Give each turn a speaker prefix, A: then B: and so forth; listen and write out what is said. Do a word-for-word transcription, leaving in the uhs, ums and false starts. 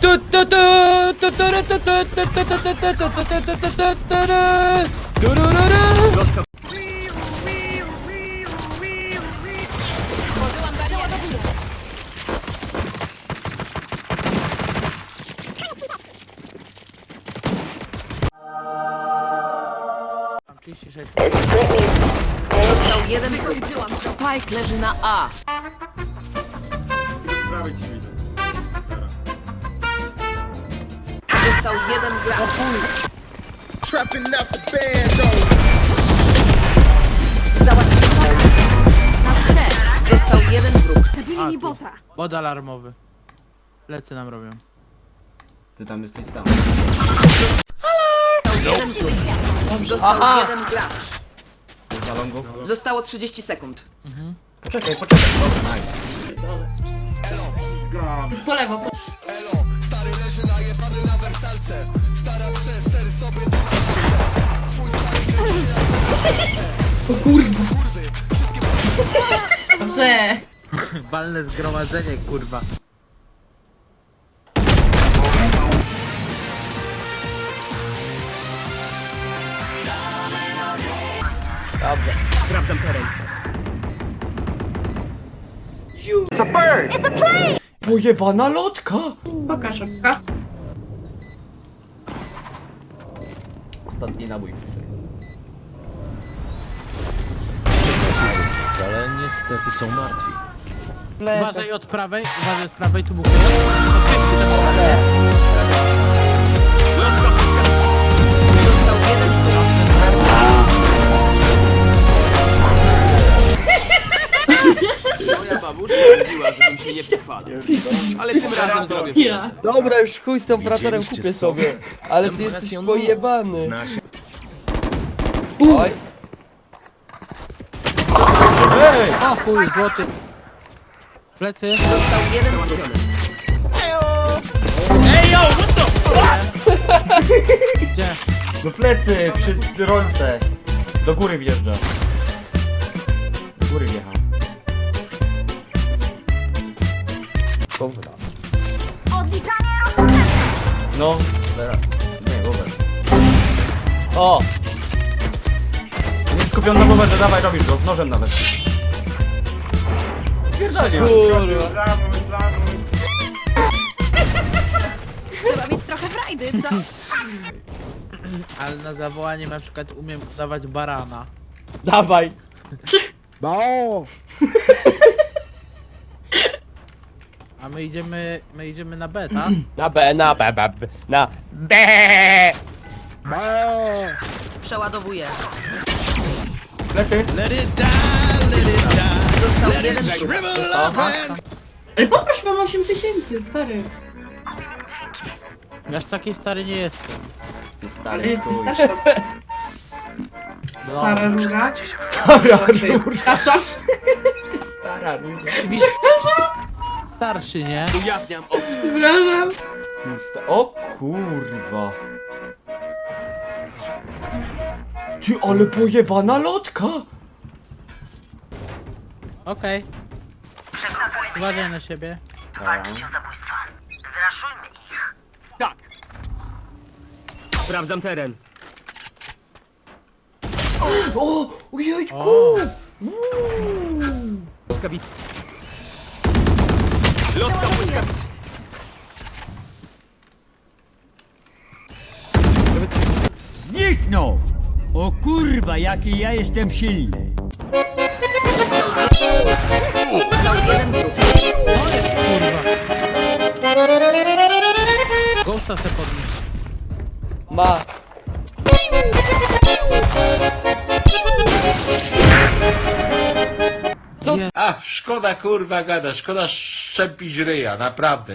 A: trzydzieści sześć.
B: Został jeden wykończyłam. Spike leży na A.
C: Tylko z prawej ci widzę.
B: Został jeden gracz.
D: Trapping out the band,
B: Załatwiony. Na C. Został jeden wróg.
A: A, tu. Bod alarmowy. Lecy nam robią.
C: Ty tam jesteś sam.
B: Jeden wróg. Został jeden gracz.
C: Za longu?
B: Zostało trzydzieści sekund.
C: Poczekaj, poczekaj. Dobra, nice.
E: Po lewo. O kurwa. Dobrze.
A: Walne zgromadzenie, kurwa.
B: Dobrze.
C: Sprawdzam teren.
F: Pojebana lotka!
E: Pokaż oka.
C: Ostatni nabój.
G: Ale niestety są martwi.
A: Uważaj od prawej, uważaj od prawej, tu był
B: Został jeden wróg.
C: Moja babuszka mówiła, żebym się nie przechwalał. Ale tym razem zrobię.
E: Ja.
F: Dobra, już chuj z tym operatorem
G: Widzieliście
F: kupię
G: sobie?
F: sobie. Ale ty jesteś pojebany.
G: Zna się.
F: Oj.
A: Ej! O chuj, złoty. Plecy.
B: Został jeden wróg.
A: Gdzie?
F: Do plecy, przy rolce. Do góry wjeżdża. Do góry wjechał. Dobra. No, teraz. Nie, Robert. O! Nie skupiony na Roberze, dawaj, robisz go, nożem nawet. Spierdolił. Kurwa.
B: Trzeba mieć trochę frajdy, co?
A: Ale na zawołanie na przykład umiem dawać barana.
F: Dawaj.
A: Bo! A my idziemy, my idziemy na B, tak?
F: Na B, na B, B, B, na B.
B: Przeładowuję.
F: Plecy.
B: Został jeden wróg.
E: Ale poprosz, mam osiem tysięcy, stary.
A: Ja aż taki stary nie jestem.
C: Ty
E: Ale
C: stary
E: jest
C: chuj.
E: starsza. Stara rura.
F: Stara
E: Przepraszam.
F: Stara róża.
A: Starszy, nie?
C: Ujawniam oczy.
E: Przepraszam.
F: O kurwa. Ty, ale pojebana lotka.
A: Okej. Uważaj na siebie.
C: Tak. Sprawdzam teren.
F: O, ojejku.
A: O!
C: Błyskawicy. Lotka błyskawicy.
H: Zniknął! O kurwa, jaki ja jestem silny!
B: Został jeden wróg.
A: Kurwa. Ghosta se podnieś.
F: Ma.
A: Co?
I: Ach, szkoda kurwa gada, szkoda szczepić ryja, naprawdę.